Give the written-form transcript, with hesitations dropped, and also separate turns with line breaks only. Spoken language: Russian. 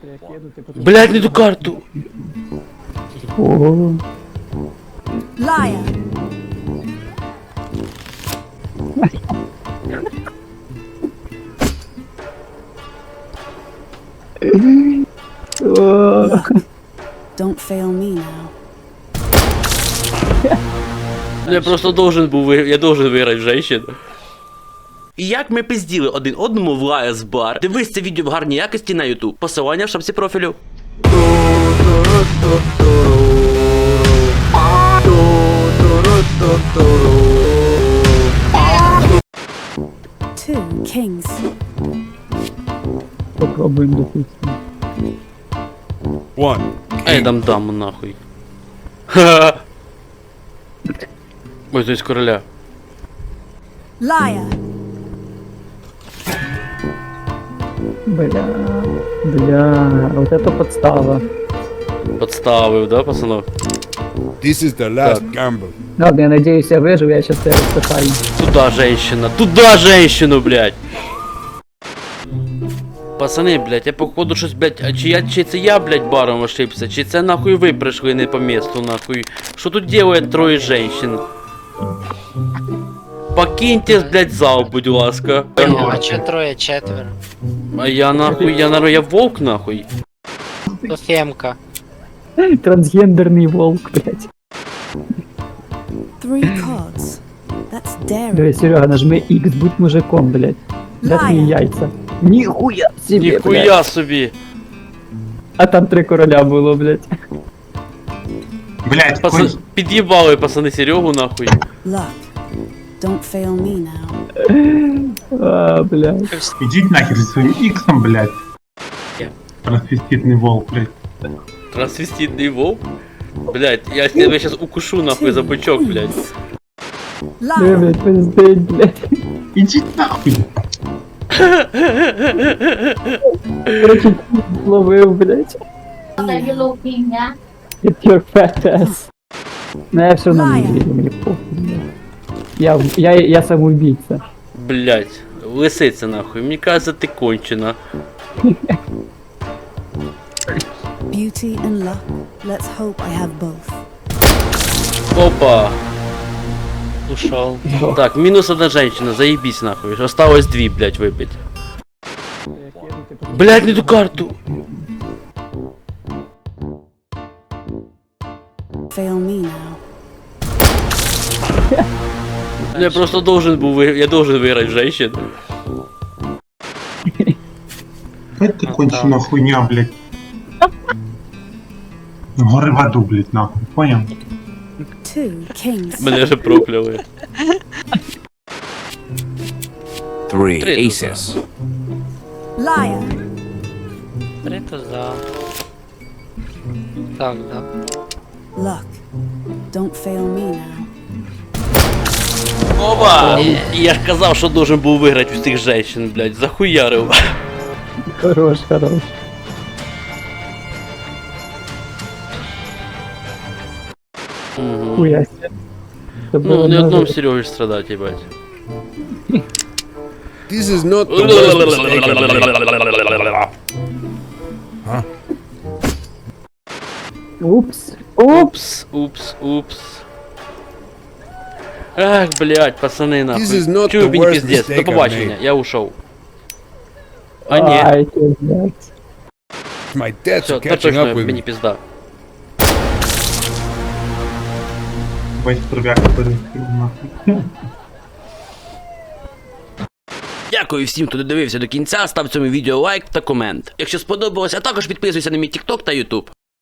Блядь, не ту карту.
Ого.
Liar. Look, don't fail me now.
Я просто должен був я должен виграти женщину. І як ми пизділи один одному в Lies Bar. Дивись це відео в гарній якості на YouTube. Посилання в шапці профілю.
Two kings.
Попробуємо допустим.
Ей, дам нахуй. Ха-ха. Ой, здесь короля.
Liar.
Бля, вот это подстава.
Подставив, да, пацанов?
This is the last gamble.
Ладно, я надеюсь, я выживу, я сейчас тебя распыхаю.
Туда женщина, туда женщину, блядь. Пацани, блядь, я походу щось, блядь, а чи це я, блядь, баром ошибся, чи це нахуй ви прийшли не по месту, нахуй. Що тут делает троє женщин? Покиньте, блядь, зал, будь ласка.
А чё трое, четверо?
А я нахуй, я волк нахуй.
То Фемка.
Трансгендерный волк, блядь.
Three cards. That's daring.
Давай, Серега, нажми X, будь мужиком, блядь. Да твои яйца. Нихуя себе, блядь.
Ніхуя собі.
А там 3 короля було, блядь.
Блять,
Під'їбали, пацани, Серегу нахуй.
Luck, don't fail me now.
А, блядь.
ідіть нахер зі своїм іксом, блять. Трансвеститний волк, блять.
Трансвеститний вовк? Блядь, я тебе сейчас укушу нахуй за бычок, блядь.
Ой,
Liar.
блядь, пиздеть, блядь.
Ідіть нахуй.
Короче, ловив, блядь. Get your fat ass. Ну я все равно не верю, мне похуй, блядь. Я самоубийца.
Блядь, лисиця нахуй, мені кажется, ти кончена.
Beauty and luck. Let's hope I have both.
Опа.
Ушел.
Так, минус одна женщина, заебись нахуй. Осталось 2, блядь, выбить. Блядь, не ту карту.
Fail me now.
Я просто должен був я должен виграти женщину.
Это кончена хуйня, блять. Гори в аду, блять, нахуй, понял?
Two kings.
Мене вже прокляли.
Three
Три
aces.
Liar.
Три туза. Так, да.
Luck, don't fail me now.
Опа! Я ж казав, що должен був виграти у цих женщин, блядь, захуярив.
Хорош, хорош. Хуя себе.
Ну, не одному Сереги ж страдать, їбать.
This is not the worst mistake I've made.
Упс.
Упс. Ах, блядь, пацани,
This is
нахуй.
not
Чую,
the
мені
worst
пиздец,
mistake
до
I've
побачення,
made.
я ушов. А ні,
Ай, блядь.
My debts
все,
are
та
catching
точно
up with
мені
me.
пізда.
Весь тров'як перехил, нахуй.
Дякую всім, хто додивився до кінця, став цьому відео лайк та комент. Якщо сподобалось, а також підписуйся на мій TikTok та YouTube.